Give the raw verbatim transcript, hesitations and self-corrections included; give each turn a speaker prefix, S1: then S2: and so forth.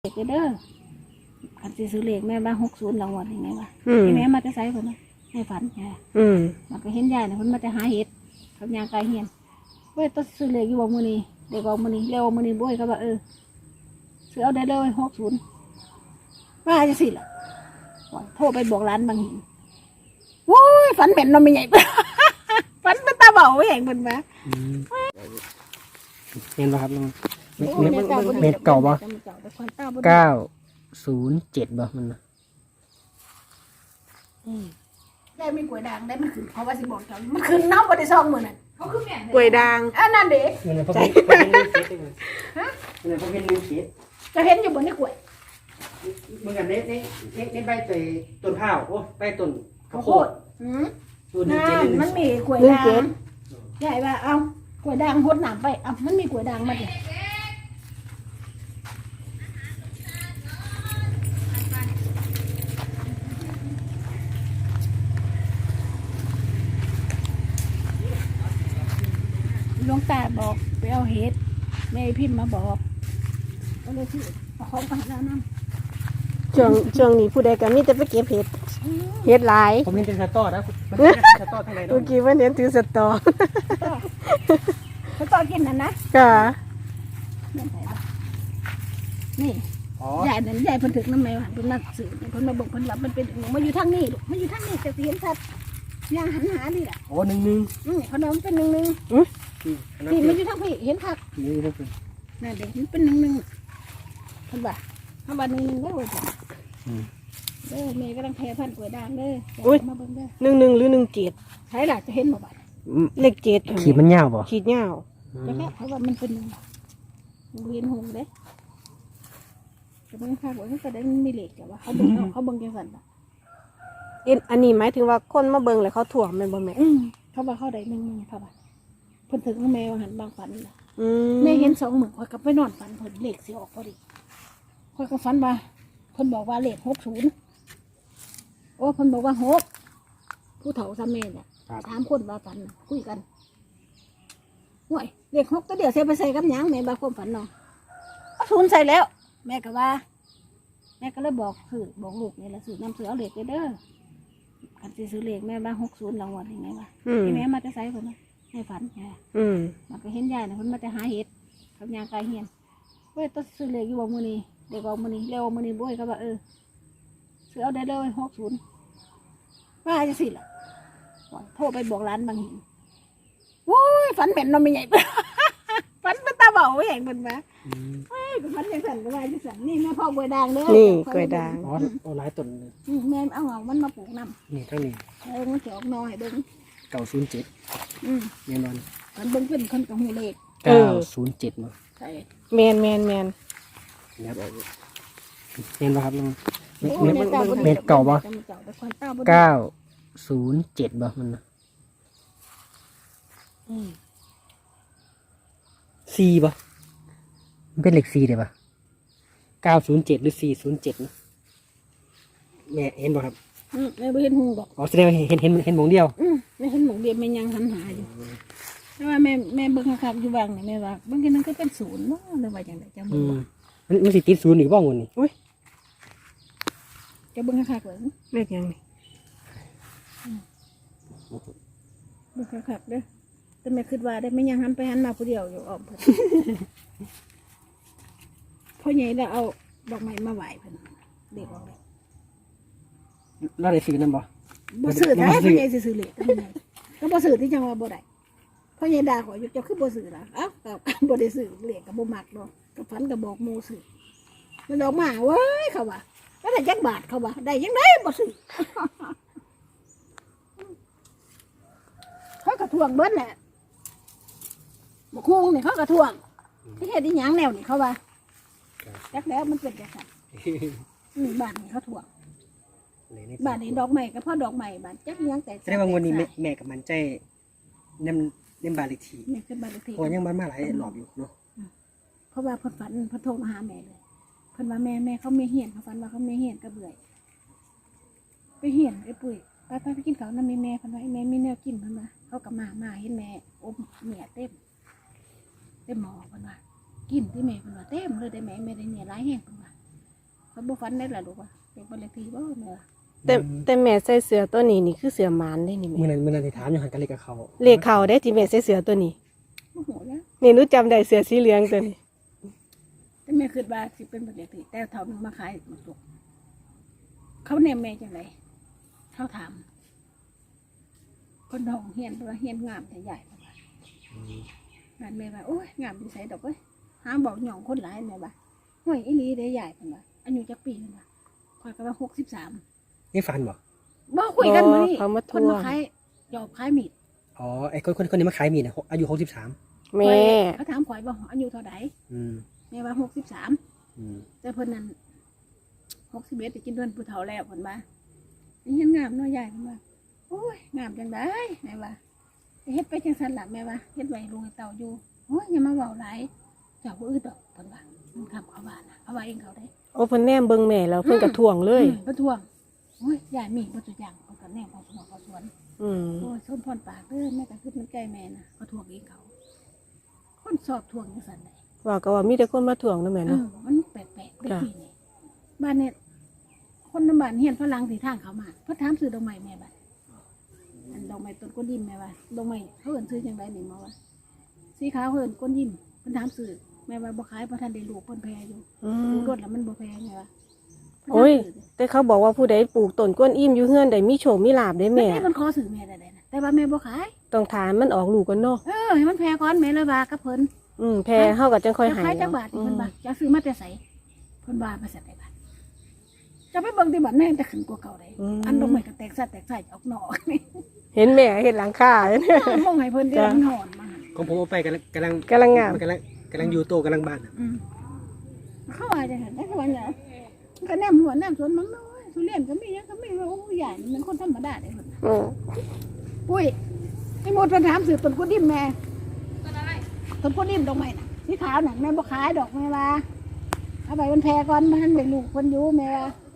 S1: เด็กเด้อขันสิซื้อเลขแม่บ้านหกศูนย์รางวัลยังไงวะแม่มาจะใส่คนนะให้ฝันไงมันก็เห็นยายเนี่ยคนมาจะหาเห็ดเขายางไกลเฮียนเว้ยต้องซื้อเลขอยู่บ่มือนี้เด็กบ่มือนี้เร็วมือนี้บ่อยเขาบอกเออซื้อเอาได้เลยหกศูนย์ว่าจะสิล่ะโทรไปบอกร้านบางหินโว้ยฝันเป็นนมไม่ใหญ่ฝันเป็นตาเบาแห่งเป็นมา
S2: เห็นป่ะครับลุงเม็ดเม็ดเก่าป่ะเก้าศูนย์เจ็ดป่ะมัน
S1: ได้มีกล้วยด่างได้มันขึ้นเพราะว่าสิบอกเขามันขึ้นน้ำบริซองมือนั่นเขาคือแม่
S3: กล้วยด่าง
S1: อันนั้นเด็ก
S2: เงินเขาเป็นเงินเจ็ดฮะเงินเขาเป็นเงินเจ็ด
S1: จะเห็นอยู่บนนี้กล้วย
S2: เหมือนกับเน็ตเน็ตเน็ตเน็ตใบเตยต้นข้าวโอ้ใบต้นข้าวโพด
S1: นั่นมันมีกล้วยด่างใหญ่ว่าเอากล้วยด่างหดหนามไปเอามันมีกล้วยด่างมาดิหลวงตาบอกไปเอาเห็ดแม่พิมพ์มาบอกก็เลยที่เอาของไปแล้วน้ำ
S3: ช่วงช่วงนี้ผู้ใดก็มีแต่ไปเก็บเห็ดเห็ดหลาย
S2: ผมเห็นเป็นสตอนะมันเป็นสตอทั้งหลายเนาะ
S3: เมื่อกี้ว่าเห็นถือสตอ
S1: เขาต่อกินนั่นนะ
S3: ค่ะ
S1: นี่ใหญ่นั่นใหญ่เพิ่นถึกน้ำแมวเพิ่นมาสื่อเพิ่นมาบอกเพิ่นหลับมันเป็นมาอยู่ทางนี้ลูกมาอยู่ทางนี้จะเห็นชัดย่างหันหาดิล่ะ
S2: โอ้หนึ่งหนึ่ง
S1: อืมเขาน้องเป็นหนึ่งหนึ่งนี่มันอยู่ทางพี่เห็นคักนั่นเด็กมันเป็นหนึ่งหนึ่งเพิ่นว่าเพิ่นว่าหนึ่งหนึ่งได้เลยจ้ะเด้อแม่กำลังแพ้พันกล้วยด่างเด้อมาเบิ่งเด้อ
S3: หนึ่งหนึ่งหรือหนึ่งเจ็ด
S1: ใช่ล่ะจะเห็นบ่บัด
S3: เลขเจ็ด
S2: ขีดมันยาวป่ะ
S3: ขีดยาว
S1: จะแค่เพราะว่ามันเป็นเวียนหงเด้แต่บางครั้งว่าเขาได้มีเหล็กแต่ว่าเขาเบิ่งเขาเบิ่งจังซั่นน่ะ
S3: เอ็นอันนี้หมายถึงว่าคนมาเบิ่งแล้วเขาถ่วงมันบ่แม่
S1: เขาว่าเขาได้หนึ่งนึงเขาว่าเพิ่นถึงแม่ว่าหันบางฝันน่ะ
S3: อืม
S1: แม่เห็นสองมื้อข่อยก็ไปนอนฝันเพิ่นเลขสิออกพอดีข่อยก็ฝันว่าเพิ่นบอกว่าเลขหกสิบโอ้เพิ่นบอกว่าหกผู้เฒ่าซ้ำแม่น่ะสามคนว่าฝันคุยกันห่วยเลขหกก็เดี๋ยวใส่ไปใส่กับหยังแม่บางความฝันเนาะเอาศูนย์ใส่แล้วแม่ก็ว่าแม่ก็เลยบอกคือบอกลูกนี่แหละซื้อน้ำซื้อเอาเลขเด้อขันสิซื้อเลขแม่บ้านหกศูนย์รางวัลยังไงวะแม่มาจะใส่คนนะให้ฝันไงมันก็เห็นยายเนี่ยคนมาจะหาเห็ดเขายางไกลเฮียนเว้ยต้องซื้อเลขอยู่บ่มือนี้เด็กบ่มือนี้เร็วมือนี้บ่อยเขาบอกเออซื้อเอาได้เลยหกศูนย์ว่าจะสิล่ะโทรไปบอกร้านบางหินโว้ยฝันเป็นนมไม่ใหญ่ฝันเป็นตาเบาแห่งเป็นมาเฮ้ยฝันยังสั่นก็ว่าจะสั่นนี่แม่พ่อกล้วยด่างเด้อ
S3: นี่กล้วยด่าง
S2: อ๋อโอ้หลายต้น
S1: แม่เอาเอามันมาปลูกน้
S2: ำนี่ทั้งนี้
S1: เออมันจะออกน้อยเบิ้ง
S2: เก้าศูนย์เจ็ด
S1: อืม
S2: แน่นอน
S1: มันเบิ้งเป็นคนกับหูเล็ก
S2: เก้าศูนย์เจ็ดมั้ง
S1: ใช่
S3: แมนแมนแมน
S2: เนี่ยเห็นป่ะครับลุงเม็ดเม็ดเก่าป่ะเก้าศูนย์เจ็ดป่ะมันสี่ป่ะมันเป็นเลขสี่เลยป่ะเก้าศูนย์เจ็ดหรือสี่ศูนย์เจ็ดนะแม่เห็นป่ะครับ
S1: อืมแม่ไม่เห็นหูบอก
S2: อ๋อแสดงว่าเห็นเห็นเห็นหมองเดียว
S1: อืมไม่เห็นหมองเดียวแม่ยังหันหาอยู่แต่ว่าแม่แม่เบิ้งครับอยู่บางเนี่ยแม่ว่าบางทีนั้นก็เป็นศูนย์เนาะหรือว่าอย่างไรจะเบิ้ง
S2: มันมันสิติดศูนย์หรือบ้างวันนี้
S3: อุ้ย
S1: จะเบิ้งครับเบิ้ง
S3: เลขยังไง
S1: เบิ้งครับเด้อแต่แม่คิดว่าได้ไม่ยังหันไปหันมาผู้เดียวอยู่อ้อมเพิ่นพ่อใหญ่แล้วเอาดอกไม้มาไหว้เพิ่นเด็กออกเลย
S2: เราได้ซื้อนั่นบ่
S1: บ่ซื้อได้พ่อใหญ่สิซื้อเลยก็บ่ซื้อที่จังว่าบ่ได้พ่อใหญ่ด่าขออยู่เจ้าคือบ่ซื้อล่ะเอ้าก็บ่ได้ซื้อเลขก็บ่มักดอกก็ฝันก็บอกหมู่ซื้อมันดอกมาเว้ยเขาว่าแล้วได้จักบาทเขาว่าได้ยังไงบ่ซื้อเขาก็ทวงเบิดแหละบกฮุงเนี่ยเขากระทวงที่เห็ดที่หยางแนวนี่เขาว่าจักแล้วมันเป็นจังสันบ้านนี่เขาทวงบ้านนี้ดอกใหม่ก็เพราะดอกใหม่บ้านจักยังแต่
S2: แสดงว่าวันนี้แม่กับมันใจเน้มเน้มบาลิที
S1: เนี่ยคือบ้านเลขที่
S2: พอยังมันมาหลายหลอบอยู่เนาะ
S1: เพราะว่าพอฝันพอโทรมาหาแม่เลยเพิ่นว่าแม่แม่เขาไม่เหียนเขาฝันว่าเขาไม่เหียนก็เบื่อไปเหียนไอ้ปุ๋ยไปไปไปกินข้าวน้ำมีแม่เพิ่นว่าไอ้แม่มีแนวกินเพิ่นว่าเขากับมามาเห็นแม่อมเหนียเต็มเต็มหม้อเพิ่นว่ากินที่แม่เพิ่นว่าเต็มเลยได้แม่แม่ได้เหนียร้ายแห้งเพิ่นว่าคอยบ่ฝันได้ล่ะลูกว่าเป็นบ้านเลขที่บ่แม่ว่า
S3: แต่แต่แม่ใส่เสื้อตัวนี้นี่คือเสื้อหมานได้นี่
S2: มื่อ
S3: แม่
S2: นั้นมื่อนั้นที่ถามอยู่หันกันเลขกับเขา
S3: เลขเขาได้ที่แม่ใส่เสื้อตัวนี้
S1: บ่ฮู้แล้ว
S3: นี่หนูจำได้เสื้อสีเหลืองตัวนี้
S1: แต่แม่คิดว่าสิเป็นบ้านเลขที่แต่เท่านึงมาขายหมดสุกเขาแนมแม่จังไดเขาถามคนท้องเฮียนว่าเฮียนงามแต่ใหญ่เพิ่นว่า งานแม่ว่าโอ้ยงามดีใส่ดอกเว้ยหาบอกหย่องคนหลายแม่ว่าห่วยอีหลีได้ใหญ่เพิ่นว่าอายุจักปีเพิ่นว่าข่อยก็ว่าหกสิบสาม
S2: นี่ฟันบอก
S1: บ่คุยกันมื้อนี้
S3: เขามาท
S1: คน
S3: ว
S1: มาง ขายหยอบขายมีด
S2: อ๋อไอ้คนคนคนนี้มาขายมีดนะอายุหกสิบสาม
S3: แม่
S1: เขาถามข่อยว่าอายุเท่าใด
S2: อืม
S1: แม่ว่าหกสิบสาม
S2: อืม
S1: แต่เพิ่นนั้นหกสิบเอ็ดไปกินเดือนผู้เฒ่าแล้วเพิ่นว่านี่ยังงามเน้อยใหญ่เพิ่นว่าโอ้ยงามจังได๋แม่ว่าเฮ็ดไปจังซั่นล่ะแม่ว่าเฮ็ดไว้ลุงให้เต่าอยู่โอ้ยอย่ามาเว้าหลายเจ้าบ่อึดดอกเพิ่นว่ามันคำเขาว่านะเขาว่าเองเขาได้
S3: โอ้เพิ่นแนมเบิ่งแม่แล้วเพิ่นก็ทวงเลย
S1: อืมประท้วงโอ้ยยายมีประจุอย่างเขาก็แน่เขาสวนเขาสวน
S3: อืม
S1: โอ้ยส้นพรปากเด้อแม่ก็คือมันใกล้แม่นะเขาทวงเองเขา คนสอบทวงยังสันไหน
S3: ว่าก็ว่ามีแต่คนมาทวงนะแม่
S1: เอ
S3: เนาะ
S1: อมันแปลกๆได้ทีนี่บ้านเนี่ยคนน้ำบ้านเฮียนฝรั่งที่ทางเขามาเพิ่นถามซื้อดอกไม้แม่บ้านอันดอกไม้ต้นก้นยิ้มแม่ว่าดอกไม้เขาเอิ้นซื้อจังไดนี่มาว่าสีขาวเอิ้นก้นยิ้มเพิ่นถามซื้อแม่ว่าบ่ขายเพราะท่านได้ลูกเพิ่นแพงอยู่
S3: อื
S1: ดู
S3: ม
S1: รถแล้วมันบ่แพงไงวะ
S3: โอ้ย แต่เขาบอกว่าผู้ใดปลูกต้นกวนอิ่มอยู่เฮือนได้มีโชคมีลาภได้
S1: แม่
S3: แม่
S1: มันขอซื้อแม่ได้ๆนะแต่ว่าแม่บ่ขาย
S3: ต้องถามมันออกลูกกันเนาะ
S1: เออให้มันแพงก่อนแม่เลยว่ากับเพิ่น
S3: อืมแพ้เฮาก็จังค่อย
S1: จะ
S3: หา
S1: ขาย
S3: ย
S1: จักบาท
S3: อื
S1: เพิ่น
S3: ม
S1: ว่าจะซื้อมาแต่ไสเพิ่นว่ามาใส่ได้บาทจะไปเบิ่งที่บ้านแม่แต่ขึ้นกว่าเก่าได้อันดอกไม้ก็แตกซัดแตกใส่ออกนอกนี่
S3: เห็นแม่เห็นหลังคาเนี่ย
S1: มองให้เพิ่นเดี๋ยวมันหอนมา
S2: ของผมเอาไปกำลังกำลัง
S3: กำลังงาม
S2: กำลังกำลังอยู่โตกำลังบ้านอะ
S1: อืมเข้าว่าจังซั่นได้เขาว่าเนี่ยก็แนมหัวแนมสวนมันน้อยทุเรียนก็มีหยังก็มีว่าโอ้ยใหญ่มันคนธรรมดาเด้เพิ่น
S3: อืม
S1: ปุ้ยไอ้หมดเพิ่นถามซื้อต้นกุดิมแม่ต้นอะไรต้นกุดิมดอกไม้น่ะสีขาวน่ะแม่บ่ขายดอกแม่ว่าเอาไปมันแพงก่อนมันได้ลูกเพิ่นอยู่แม่ว่า